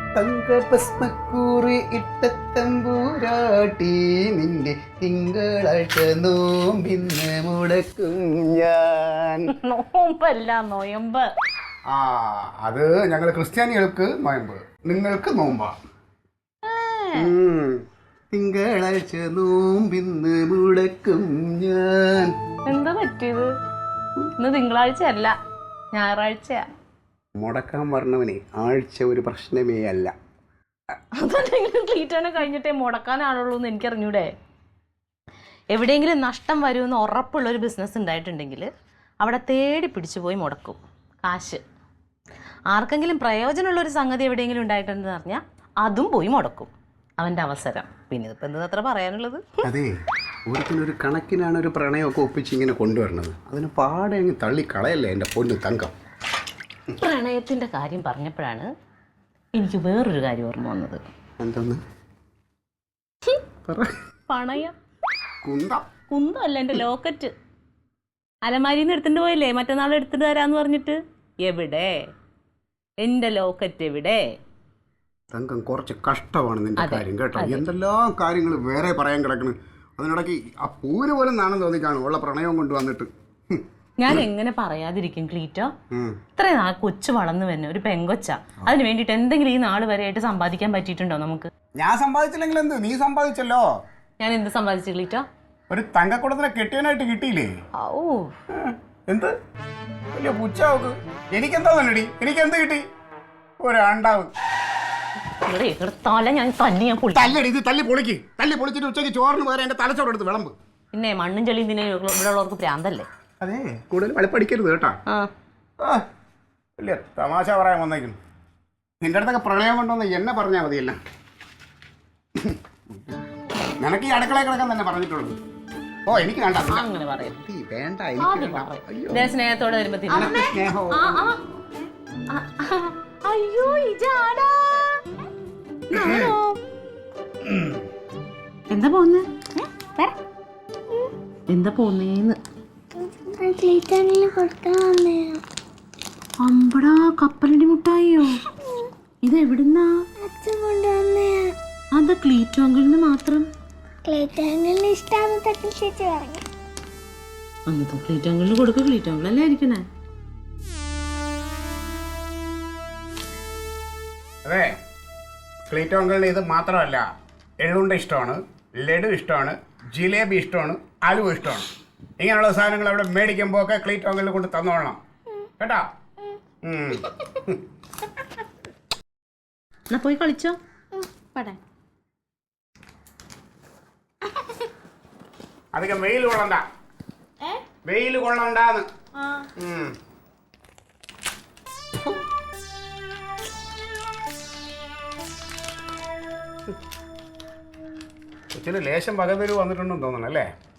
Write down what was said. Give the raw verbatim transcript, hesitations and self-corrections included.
തങ്ക ഭസ്മക്കൂറി ഇട്ട തമ്പൂരാട്ടി നിന്റെ തിങ്കളാഴ്ച നോമ്പിന്ന് മുടക്കും ഞാൻ. നോമ്പല്ല നോയമ്പ്. ആ അത് ഞങ്ങൾ ക്രിസ്ത്യാനികൾക്ക് നോയമ്പ്, നിങ്ങൾക്ക് നോമ്പാ. തിങ്കളാഴ്ച നോമ്പിന്ന് മുടക്കും ഞാൻ. എന്താ പറ്റിയത്? ഇന്ന് തിങ്കളാഴ്ച അല്ല, ഞായറാഴ്ചയാ. മുടക്കാൻ പറഞ്ഞവനെ ആഴ്ച ഒരു പ്രശ്നമേ അല്ല. അതെന്തെങ്കിലും ക്ലീറ്റാണ് കഴിഞ്ഞിട്ടേ മുടക്കാനാണുള്ളൂ എന്ന് എനിക്കറിഞ്ഞൂടെ. എവിടെയെങ്കിലും നഷ്ടം വരുമെന്ന് ഉറപ്പുള്ള ഒരു ബിസിനസ് ഉണ്ടായിട്ടുണ്ടെങ്കിൽ അവിടെ തേടി പിടിച്ചു പോയി മുടക്കും കാശ്. ആർക്കെങ്കിലും പ്രയോജനമുള്ളൊരു സംഗതി എവിടെയെങ്കിലും ഉണ്ടായിട്ടുണ്ടെന്ന് പറഞ്ഞാൽ അതും പോയി മുടക്കും. അവൻ്റെ അവസരം. പിന്നെ ഇതിപ്പോൾ എന്താ അത്ര പറയാനുള്ളത്? അതെ, ഓരോരുത്തരൊരു കണക്കിനാണ് ഒരു പ്രണയമൊക്കെ ഒപ്പിച്ച് ഇങ്ങനെ കൊണ്ടുവരണത്. അതിന് പാടെ അങ്ങ് തള്ളി കളയല്ലേ എൻ്റെ പൊന്ന് തങ്കം. പ്രണയത്തിൻ്റെ കാര്യം പറഞ്ഞപ്പോഴാണ് എനിക്ക് വേറൊരു കാര്യം ഓർമ്മ വന്നത്. എന്തൊന്ന്? പണയം. കുന്തം? കുന്തമല്ല, എൻ്റെ ലോക്കറ്റ്. അലമാരിയിൽ നിന്ന് എടുത്തിട്ട് പോയില്ലേ മറ്റന്നാൾ എടുത്തിട്ട് തരാമെന്ന് പറഞ്ഞിട്ട്. എവിടെ എൻ്റെ ലോക്കറ്റ്? എവിടെ? തങ്കം, കുറച്ച് കഷ്ടമാണ് നിന്റെ കാര്യം കേട്ടോ. എന്തെല്ലാം കാര്യങ്ങൾ വേറെ പറയാൻ കിടക്കണ്. അതിനിടയ്ക്ക് ആ പൂര് പോലും നാണം തോന്നിക്കാണ് ഉള്ള പ്രണയം കൊണ്ടുവന്നിട്ട്. ഞാൻ എങ്ങനെ പറയാതിരിക്കും ക്ലീറ്റോ? ഇത്രയും നാൾ കൊച്ചു വളർന്നു തന്നെ ഒരു പെങ്കൊച്ച. അതിന് വേണ്ടിയിട്ട് എന്തെങ്കിലും ഈ നാൾ വരെ ആയിട്ട് സമ്പാദിക്കാൻ പറ്റിയിട്ടുണ്ടോ നമുക്ക്? ഞാൻ സമ്പാദിച്ചില്ലെങ്കിൽ എന്ത്, നീ സമ്പാദിച്ചല്ലോ. ഞാൻ എന്ത് സമ്പാദിച്ചു ക്ലീറ്റോ? ഒരു തങ്കക്കുടത്തിനെ കെട്ടിയനായിട്ട് കിട്ടിയില്ലേ? ഓ എന്ത് വലിയ പുച്ചാവുക്ക്. എനിക്കെന്താ തന്നെടി, എനിക്കെന്ത് കിട്ടി? ഒരാണ്ടാവ്. തല ഞാൻ തല്ലി ഞാൻ തല്ലടി, ഇത് തല്ലി പൊളിക്ക്. തല്ലി പൊളിച്ചിട്ട് ഉച്ചയ്ക്ക് ചോറിന് പകരം എന്റെ തലച്ചോറ് എടുത്ത് വിളമ്പ്. പിന്നെ മണ്ണും ചെളിയും ഇതിനെ ഇവിടെ ഉള്ളവർക്ക് പ്രാന്തല്ലേ. അതെ, കൂടുതൽ വെളുപ്പടിക്കരുത് കേട്ടാ. വലിയ തമാശ പറയാൻ വന്നേക്കുന്നു. നിന്റെ അടുത്തൊക്കെ പ്രണയം കൊണ്ടുവന്ന് എന്നെ പറഞ്ഞാൽ മതിയല്ല. നിനക്ക് ഈ അടുക്കളയിൽ കിടക്കാൻ തന്നെ പറഞ്ഞിട്ടുള്ളത്. ഓ എനിക്ക് വേണ്ട, അങ്ങനെ പറയും. വേണ്ട, സ്നേഹത്തോടെ വരുമ്പോ സ്നേഹം. അയ്യോ ഇജാടാ. എന്താ പോന്ന്? എന്താ പോന്നേന്ന്? അമ്പടാ, കപ്പലണ്ടി മുട്ടായിയോ? ഇത് എവിടുന്നാ? അതാ ക്ലീറ്റോ അങ്കിളിന് മാത്രം. അന്നത്തെ ക്ലീറ്റോ അങ്കിളിന് കൊടുക്കുക. ക്ലീറ്റോ അങ്കിളല്ലേ ആയിരിക്കണേ. അതെ, ക്ലീറ്റോ അങ്കിളിന് ഇത് മാത്രമല്ല, എള്ളുണ്ട ഇഷ്ടമാണ്, ലഡു ഇഷ്ടമാണ്, ജിലേബി ഇഷ്ടമാണ്, അലുവ ഇഷ്ടമാണ്. ഇങ്ങനെയുള്ള സാധനങ്ങൾ അവിടെ മേടിക്കുമ്പോൾ ഒക്കെ ക്ലീറ്റോ അങ്കിളിനെ കൊണ്ട് തന്നോളണം കേട്ടാ. എന്നാ പോയി കളിച്ചോ. പടേ അധികം വെയിൽ കൊള്ളണ്ട, വെയിൽ കൊള്ളണ്ടാന്ന്. കൊച്ചിന് ലേശം പകതരു വന്നിട്ടുണ്ടെന്ന് തോന്നണം അല്ലേ?